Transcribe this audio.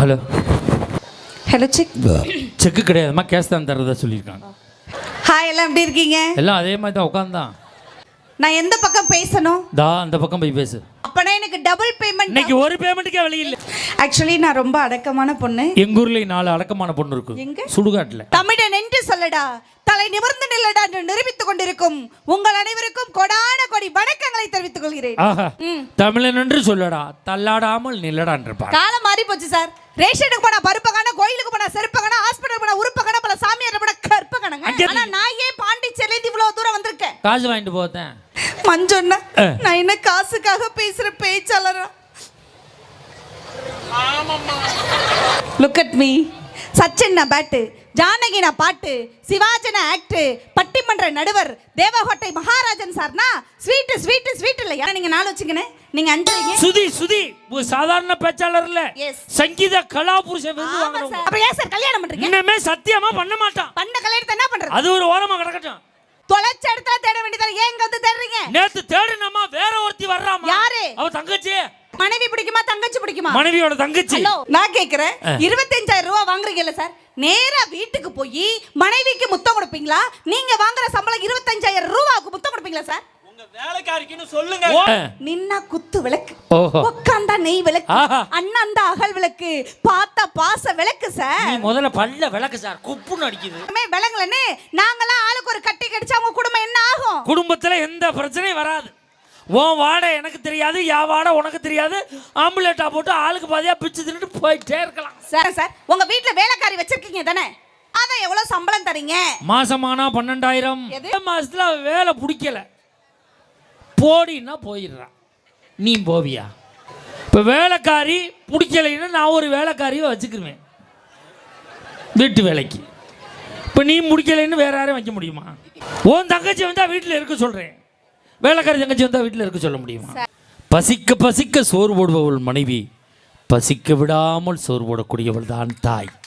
Hello hello cheque. Cheque கிடையாதுமா, cash தான் தரதா சொல்லியிருக்காங்க. ஹாய், எல்லாம் எப்படி இருக்கீங்க? எல்லாம் அதே மாதிரி தான் உட்காந்தான். நான் எந்த பக்கம் பேசணும்? அந்த பக்கம் போய் பேசு. அப்பனா எனக்கு டபுள் பேமெண்ட். இன்னைக்கு ஒரு பேமெண்ட்டுக்கே வழி இல்லை. ஆக்சுவலி நான் ரொம்ப அடக்கமான பொண்ணு. எங்க ஊர்ல 4 அடக்கமான பொண்ணு இருக்கு. எங்க? சுடுகாட்டுல. தமிழன் என்று சொல்லடா, தலை நிமிர்ந்து நில்லடா என்று நிரூபித்துக் கொண்டிருக்கும் உங்கள் அனைவருக்கும் கொடான கொடி வணக்கங்களை தெரிவித்துக் கொள்கிறேன். தமிழன் என்று சொல்லடா, தள்ளாடாமல் நில்லடான் இருப்பார். காலம் மாறி போச்சு சார். ரேஷனுக்கு போனா பருப்பு காண, கோயிலுக்கு போனா செருப்பு காண, ஹாஸ்பிடல் போனா உறுப்பு காண, பல சாமியார் போனா கற்ப காணங்க. ஆனா நான் ஏன் பாண்டிச்சேரியில இவ்வளவு தூரம் வந்திருக்கேன்? காசு வாங்கிட்டு போதேன். மஞ்சொன்னா நான் என்ன காசுக்காக பேசுற பேச்சாளரா? Look at me. Sachin bat, Janaki பாட்டு, சிவாஜன ஆக்ட், பட்டிமன்ற நடுவர், தேவகோட்டை மகாராஜன் சார்னா ஸ்வீட் ஸ்வீட் ஸ்வீட் இல்ல. யாரா நீங்க 4 வச்சுக்கனே, நீங்க 5 வைங்க. சுதி சாதாரண பேச்சாளர் இல்ல, சங்கீத கலா புருஷ விருது வாங்குறவங்க. அப்ப ஏன் சார் கல்யாணம் பண்றீங்க? இன்னமே சத்தியமா பண்ண மாட்டான். பண்ண கல்யாணத்தை என்ன பண்றது? அது ஒரு ஓரமா கிடக்கட்டும். தொலைச்ச இடத்துல தேட வேண்டியதா, ஏன் இங்க வந்து தேடுறீங்க? நேத்து தேடுனமா வேற ஒருத்தி வர்றாமா. யாரு? அவ தங்கச்சி. மனைவி பிடிக்குமா தங்கச்சி பிடிக்குமா? மனைவியோட தங்கச்சி. ஹலோ, நான் கேக்குறேன், 25,000 ரூபாய் வாங்குறீங்கல்ல சார், நேரா வீட்டுக்கு போய் மனைவிக்கு முத்தம் கொடுப்பீங்களா? நீங்க வாங்குற சம்பளம் 25,000 ரூபாய்க்கு முத்தம் கொடுப்பீங்களா சார்? உங்க வேலைக்காரிக்குன்னு சொல்லுங்க. நின்னா குத்து விளக்கு, உட்கார்ந்தா நெய் விளக்கு, அண்ணாந்தா அகல் விளக்கு, பார்த்தா பாச விளக்கு சார். நீ முதல்ல பல்ல விளக்கு சார், குப்புன்னு அடிக்குது. விளங்கலன்னு நாங்களாம் ஆளுக்கு ஒரு கட்டி கடிச்சா உங்க குடும்பம் என்ன ஆகும்? குடும்பத்துல எந்த பிரச்சனையும் வராது. உன் வாடை எனக்கு தெரியாது, யா வாடை உனக்கு தெரியாது. ஆம்புலேட்டா போட்டு ஆளுக்கு பாதியா பிச்சு தின்னுட்டு போயிட்டே இருக்கலாம். சார் உங்க வீட்டுல வேலைக்காரி வச்சிருக்கீங்க தானே, அதான் எவ்வளவு சம்பளம் தரீங்க? மாசமானா 12,000. மாசத்துல வேலை பிடிக்கல போடின்னா போயிடுறான். நீ போவியா? இப்போ வேலைக்காரி பிடிக்கலைன்னா நான் ஒரு வேலைக்காரியை வச்சுக்கிருவேன் வீட்டு வேலைக்கு. இப்போ நீ முடிக்கலைன்னு வேற யாரையும் வைக்க முடியுமா? உன் தங்கச்சி வந்தால் வீட்டில் இருக்க சொல்கிறேன், வேலைக்காரி தங்கச்சி வந்தால் வீட்டில் இருக்க சொல்ல முடியுமா? பசிக்க பசிக்க சோறு போடுபவள் மனைவி, பசிக்க விடாமல் சோறு போடக்கூடியவள் தான் தாய்.